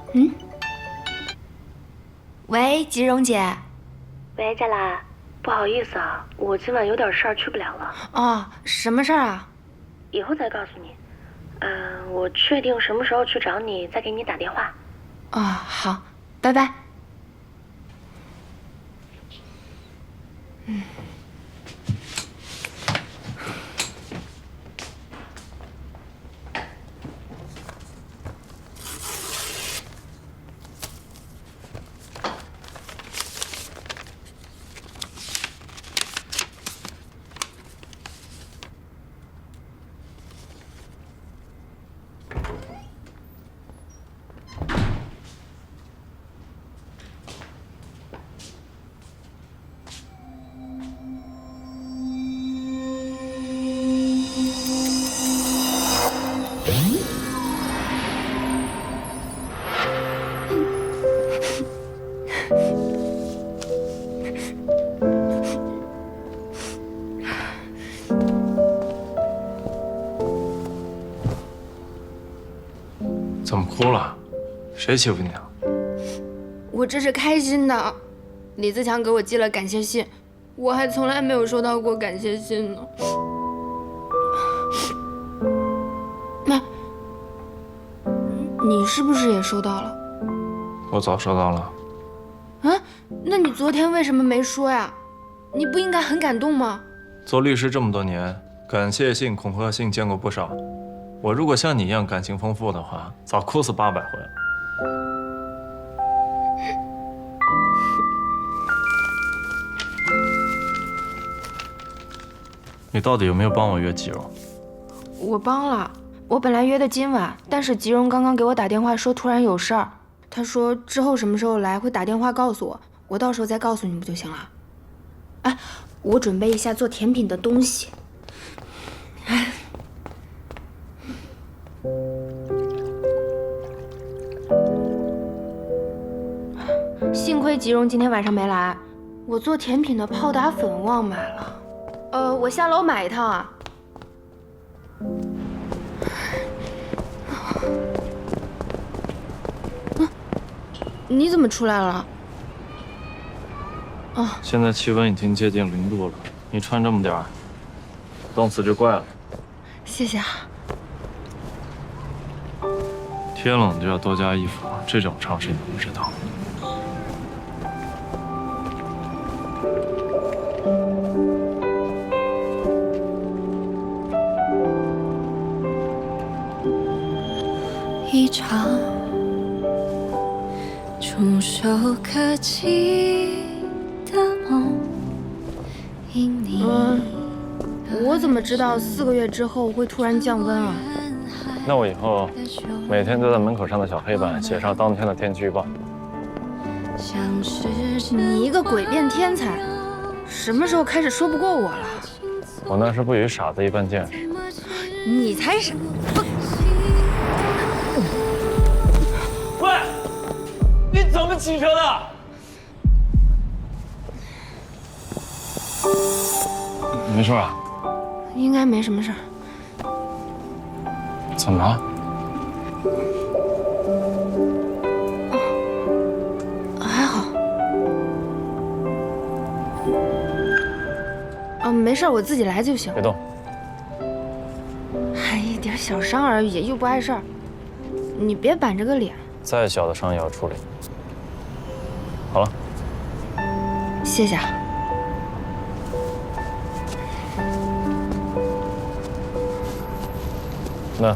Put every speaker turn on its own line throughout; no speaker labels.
嗯，喂，吉荣姐。
喂，佳兰，不好意思啊，我今晚有点事儿去不了了。
哦，什么事儿啊？
以后再告诉你。我确定什么时候去找你，再给你打电话。
哦，好，拜拜。
怎么哭了？谁欺负你啊？
我这是开心的，李自强给我寄了感谢信，我还从来没有收到过感谢信呢。那，你是不是也收到了？
我早收到了。
啊？那你昨天为什么没说呀？你不应该很感动吗？
做律师这么多年，感谢信、恐吓信见过不少。我如果像你一样感情丰富的话，早哭死800回了。你到底有没有帮我约吉荣？
我帮了，我本来约的今晚，但是吉荣刚刚给我打电话说突然有事儿，他说之后什么时候来会打电话告诉我，我到时候再告诉你不就行了？哎，我准备一下做甜品的东西。幸亏吉荣今天晚上没来，我做甜品的泡打粉忘买了。我下楼买一趟啊。你怎么出来了？哦，
现在气温已经接近0度了，你穿这么点儿，冻死只怪了。
谢谢啊。
天冷就要多加衣服，这种常识你不知道。
一场触手可及的梦，因你。
我怎么知道4个月之后会突然降温啊？
那我以后每天都在门口上的小黑板写上当天的天气预报。
你一个诡辩天才，什么时候开始说不过我了？
我那是不与傻子一般见识。
你才是。
喂，你怎么骑车的？没事啊？
应该没什么事儿。
怎么了？
还好。没事，我自己来就行。
别动。
还一点小伤而已，又不碍事儿。你别板着个脸。
再小的伤也要处理。好了。
谢谢啊。
那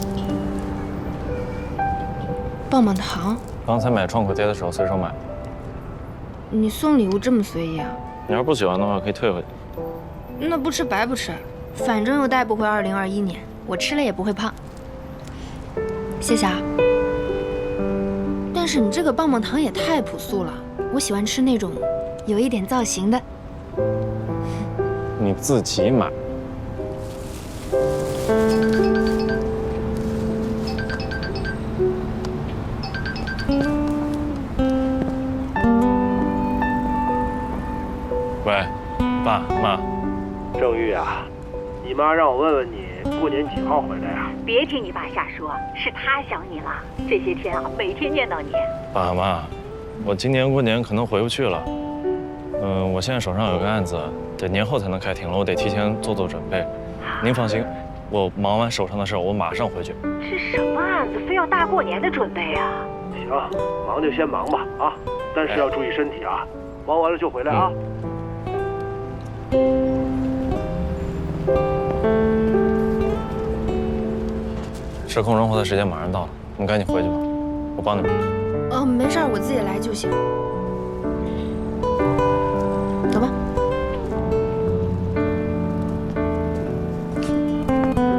棒棒糖，
刚才买创可贴的时候随手买的。
你送礼物这么随意啊？
你要是不喜欢的话，可以退回去。
那不吃白不吃，反正又带不回2021年，我吃了也不会胖。谢谢啊。但是你这个棒棒糖也太朴素了，我喜欢吃那种有一点造型的。
你自己买。喂，爸妈。
郑玉啊，你妈让我问问你过年几号回来呀？ 别听你爸瞎说，是他想你了。这些天啊，每天念叨你。
爸妈，我今年过年可能回不去了。我现在手上有个案子，得年后才能开庭了，我得提前做准备。您放心，我忙完手上的事儿，我马上回去。
是什么案子，非要大过年的准备啊？
行，忙就先忙吧啊，但是要注意身体啊，忙完了就回来啊。
失控人活的时间马上到了，你们赶紧回去吧，我帮你们。
没事儿，我自己来就行。